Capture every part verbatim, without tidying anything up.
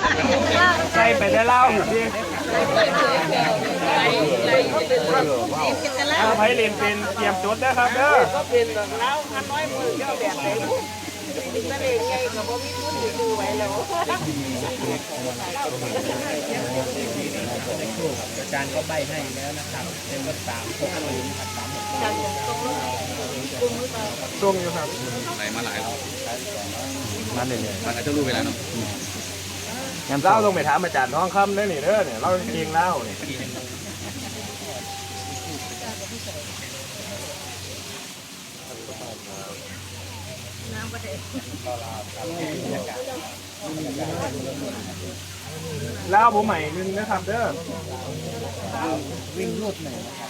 ใส่ไปได้เล่าดิถ้าไผ่เล่นเป็นเตรียมจดนะครับเด้อก็เป็นแบบเล้าพันน้อยมือเจ้าแบบไหนมีทะเลไงกับว่ามีทุนอยู่ดูไว้แล้วอาจารย์ก็ใบให้แล้วนะครับเป็นรถสามหกศูนย์สามหกตรงอยู่ครับไหลมาหลายรอบมาเลยเลยมันอาจจะรู้เวลาเนาะเล่าลงไปถามอาจารย์ท้องคำได้หนิเด้อเนี่ยเล่าเองเล่าเนี่ยแล้วผมใหม่นึงนะครับเด้อวิ่งรูดหน่อยนะครับ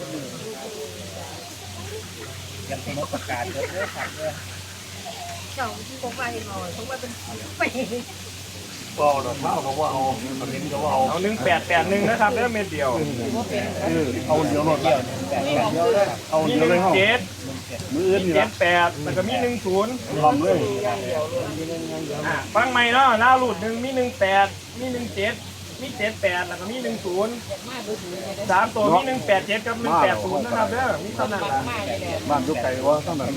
ยังเป็นประกาศเยอะๆครับเยอะเจ้าที่ผมไปหน่อยผมว่าเป็นไปก็ดอกเล่าเขาว่าเอาเอาเน้นเขาว่าเอาเอาหนึ่งแปดแปดหนึ่งนะครับเด้อเม็ดเดียวเอาเดียวหมดเดียวเอามีหนึ่งเจ็ดมืออื่นเจ็ดแปดแล้วก็มีหนึ่งศูนย์ลำเลยฟังใหม่เนาะล่าหลุดหนึ่งมีหนึ่งแปดมีหนึ่งเจ็ดมีเจ็ดแปดแล้วก็มีหนึ่งศูนย์สามตัวมีหนึ่งแปดเจ็ดกับหนึ่งแปดศูนย์นะครับเด้อมีเท่านั้นละบ้านยุกไก่ว่าเท่านั้น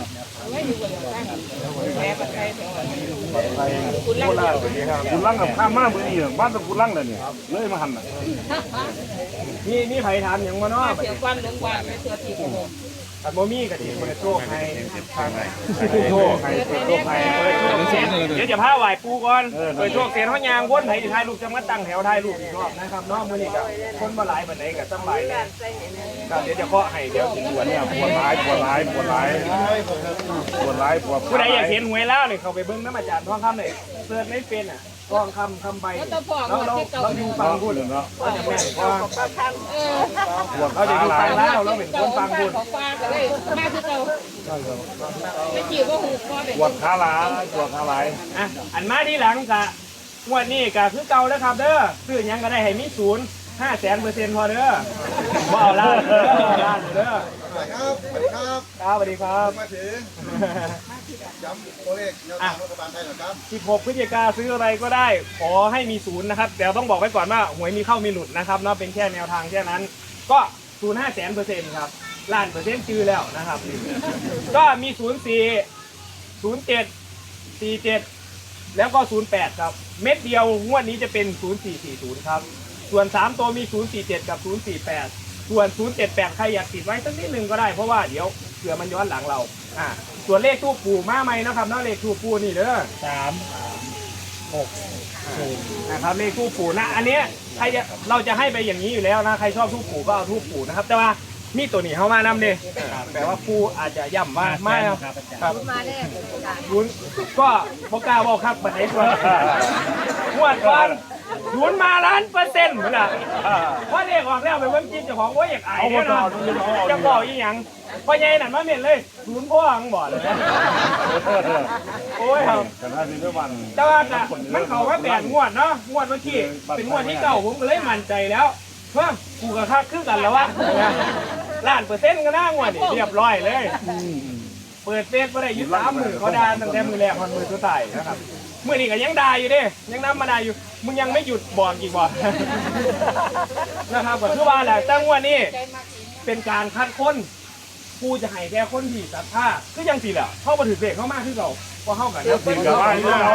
คุณล่างเป็นยังไงคุณล่างกับข้ามมากเลยนี่บ้านตะคุณล่างเลยเนี่ยเลยมาหันน่ะนี่นี่ไผ่ทานอย่างมาเนาะเสียงวันลงวันไม่เสือทีผมอันโมมี่กับทีเปิดโชคให้ทางไหนโชคให้เปิดโชคให้เปิดโชคเสียนเดี๋ยวจะพาไหวปูก่อนเปิดโชคเสียนเขายางวนไผ่ถ่ายรูปจะมาตั้งแถวถ่ายรูปอีกรอบนะครับเนาะมื่อนี้กับคนมาหลายแบบไหนกับตั้งหลายเลยเดี๋ยวจะเคาะให้เดี๋ยวปวดเนี่ยปวดร้ายปวดร้ายปวดร้ายปวดร้ายปวดผู้ใดอยากเห็นหวยแล้วเนี่ยเขาไปเบิ้งน้ำอาจารย์ทองคำเลยเสิร์ชไม่เป็นอ่ะทองคำคำใบเราเราเราดูฟังพูดเนาะก็จะแม่นว่าเราจะดูฟังแล้วเราเป็นคนฟังพูดมาคือเราไม่จีบว่าหูก็เป็นปวดขาหลาปวดขาหลายอ่ะอันมาที่หลังกะงวดนี้กะคือเก่าแล้วครับเด้อซื้อยังก็ได้ให้มีศูนย์ห้าแสนเปอร์เซ็นต์พอเด้อว่าเอาล้านเด้อล้านเด้อครับสวัสดีครับครับสวัสดีครับมาถึงย้ำตัวเลขแนวทางรัฐบาลไทยหน่อยครับสิบหกพฤศจิกาซื้ออะไรก็ได้ขอให้มีศูนย์นะครับแต่ต้องบอกไว้ก่อนว่าหวยมีเข้ามีหลุดนะครับเนาะเป็นแค่แนวทางแค่นั้นก็ศูนย์ห้าแสนเปอร์เซ็นต์ครับล้านเปอร์เซ็นต์จือแล้วนะครับก็มีศูนย์สี่ศูนย์เจ็ดสี่เจ็ดแล้วก็ศูนย์แปดครับเม็ดเดียวงวดนี้จะเป็นศูนย์สี่สี่ศูนย์ครับส่วนสามตัวมีศูนย์สี่เจ็ดกับศูนย์สี่แปดส่วนศูนย์เจ็ดแปดใครอยากติดไว้สักนิดหนึ่งก็ได้เพราะว่าเดี๋ยวเผื่อมันย้อนหลังเราอ่าส่วนเลขทูปปู่มาใหม่นะครับเนาะเลขทูปปู่นี่เด้อสามหกศูนย์นะครับเลขทูปปู่นะอันเนี้ยใครจะเราจะให้ไปอย่างนี้อยู่แล้วนะใครชอบทูปปู่ก็เอาทูปปู่นะครับแต่ว่ามีตัวนี้เข้ามานำดิแปลว่าปู่อาจจะย่ำว่าไม่ครับมาแน่ยุนก็พวกกล้าบอกครับบัดนี้ตัวงวดก่อนยุนมาล้านเปอร์เซ็นต์เหมือนกันเพราะเด็กออกแล้วไปเบิ้งจิ้มเจ้าของว่าอยากอายเนี่ยนะจะบอกอีหยังพ่อใหญ่นั่นมาเม็นเลยยุนพ่อหังบ่อเลยโอ้ยครับแต่ถ้ามีด้วยวันแต่ว่ามันเขาว่าแปดงวดเนาะงวดเมื่อกี้เป็นงวดที่เก่าผมก็เลยมั่นใจแล้วเพิ่มกูกับข้าคือกันแล้ววะล้านเปอร์เซ็นต์ก็น่างวดนี่เรียบร้อยเลยเปิดเฟซก็ได้ยึดสามมือเขาด่าตั้งแต่มือแรกพันมือสุดท้ายนะครับมือนี้ก็ยังด่าอยู่ดิยังน้ำมาด่าอยู่มึงยังไม่หยุดบอกอีกบ่นะครับก็คือว่าแหละตั้งวันนี้เป็นการคัดค้นกูจะให้แค่คนที่ศรัทธาคือยังสิแหละเข้ามาถือเบรกเข้ามาคือเราพอเข้ากันแล้วเป็นกับว่าอยู่เรา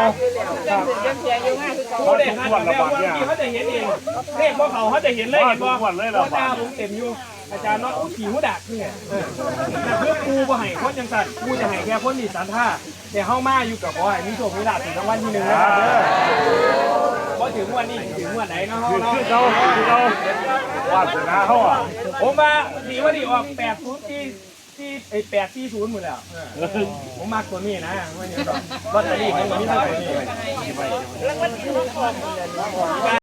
เขาได้คัดแล้ววันนี้เขาจะเห็นเองเลขพวกเขาเขาจะเห็นเลยเห็นบ่เพราะตาผมเต็มอยู่อาจารย์น้องอุ้ขี่หูดักเนี่ยแต่เพื่อกูบ่ให้คนยังสั่นกูจะให้แค่คนที่ศรัทธาแต่เข้ามาอยู่กับบ่ให้มีโชคมีลาภถึงรางวัลที่หนึ่งนะครับเด้อพอถึงวันนี้ถึงวันไหนเนาะเนาะเราเราวาสนาเขาอ่ะผมมาดีว่าดีออกแปดศูนย์ที่ที่ไอแปดที่ศูนย์หมดแล้วผมมากตัวนี้นะว่าอย่างนี้ลอตเตอรี่ผมก็มีเท่านี้